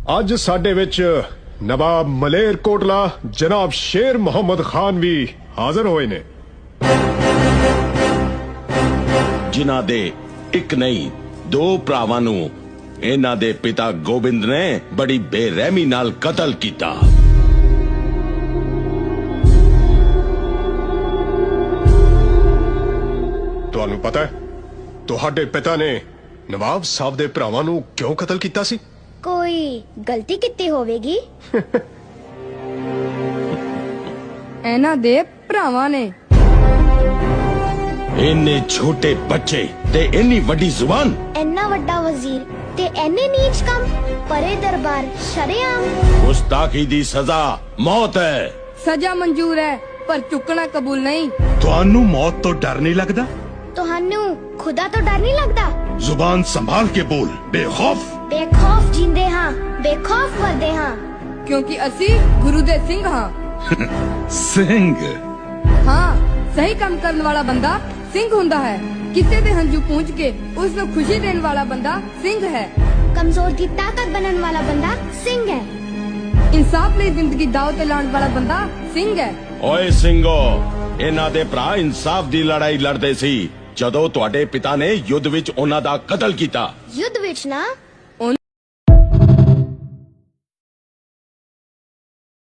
ਅੱਜ ਸਾਡੇ ਵਿੱਚ ਨਵਾਬ ਮਲੇਰ ਕੋਟਲਾ ਜਨਾਬ ਸ਼ੇਰ ਮੁਹੰਮਦ ਖਾਨ ਵੀ ਹਾਜ਼ਰ ਹੋਏ ਨੇ, ਜਿਨ੍ਹਾਂ ਦੇ ਇੱਕ ਨਹੀਂ ਦੋ ਭਰਾਵਾਂ ਨੂੰ ਇਹਨਾਂ ਦੇ ਪਿਤਾ ਗੋਬਿੰਦ ਨੇ ਬੜੀ ਬੇਰਹਿਮੀ ਨਾਲ ਕਤਲ ਕੀਤਾ। ਤੁਹਾਨੂੰ ਪਤਾ ਹੈ ਤੁਹਾਡੇ ਪਿਤਾ ਨੇ ਨਵਾਬ ਸਾਹਿਬ ਦੇ ਭਰਾਵਾਂ ਨੂੰ ਕਿਉਂ ਕਤਲ ਕੀਤਾ ਸੀ? ਕੋਈ ਗਲਤੀ ਕੀਤੀ ਹੋਵੇਗੀ। ਇਹਨਾਂ ਦੇ ਭਰਾਵਾਂ ਨੇ। ਇੰਨੇ ਛੋਟੇ ਬੱਚੇ ਤੇ ਇੰਨੀ ਵੱਡੀ ਜ਼ੁਬਾਨ। ਇੰਨਾ ਵੱਡਾ ਵਜ਼ੀਰ ਤੇ ਇੰਨੇ ਨੀਚ ਕੰਮ। ਪਰੇ ਦਰਬਾਰ ਸ਼ਰੇਆਮ। ਗੁਸਤਾਖੀ ਦੀ ਸਜ਼ਾ ਮੌਤ ਹੈ। ਸਜ਼ਾ ਮਨਜ਼ੂਰ ਹੈ ਪਰ ਚੁੱਕਣਾ ਕਬੂਲ ਨਹੀਂ। ਤੁਹਾਨੂੰ ਮੌਤ ਤੋਂ ਡਰ ਨਹੀਂ ਲੱਗਦਾ? ਤੁਹਾਨੂੰ ਖੁਦਾ ਤੋਂ ਡਰ ਨਹੀਂ ਲੱਗਦਾ? ਜ਼ੁਬਾਨ ਸੰਭਾਲ ਕੇ ਬੋਲ, ਬੇਖੌਫ। ਬੇਖੌਫ ਜਿੰਦੇ ਹਾਂ, ਬੇਖੌਫ ਮਰਦੇ ਹਾਂ। ਕਿਉਂਕਿ ਅਸੀਂ ਗੁਰੂ ਦੇ ਸਿੰਘ ਹਾਂ। ਸਿੰਘ? ਹਾਂ, ਸਹੀ ਕੰਮ ਕਰਨ ਵਾਲਾ ਬੰਦਾ ਸਿੰਘ ਹੁੰਦਾ ਹੈ। ਕਿਸੇ ਦੇ ਹੰਝੂ ਪੂੰਝ ਕੇ ਉਸ ਨੂੰ ਖੁਸ਼ੀ ਦੇਣ ਵਾਲਾ ਬੰਦਾ ਸਿੰਘ ਹੈ। ਕਮਜ਼ੋਰ ਦੀ ਤਾਕਤ ਬਣਨ ਵਾਲਾ ਬੰਦਾ ਸਿੰਘ ਹੈ। ਇਨਸਾਫ ਲਈ ਜ਼ਿੰਦਗੀ ਦਾਅ ਤੇ ਲਾਉਣ ਵਾਲਾ ਬੰਦਾ ਸਿੰਘ ਹੈ। ਓਏ ਸਿੰਘੋ, ਇਹਨਾਂ ਦੇ ਭਰਾ ਇਨਸਾਫ ਦੀ ਲੜਾਈ ਲੜਦੇ ਸੀ ਜਦੋਂ ਤੁਹਾਡੇ ਪਿਤਾ ਨੇ ਯੁੱਧ ਵਿੱਚ ਉਹਨਾਂ ਦਾ ਕਤਲ ਕੀਤਾ। ਯੁੱਧ ਵਿੱਚ ਨਾ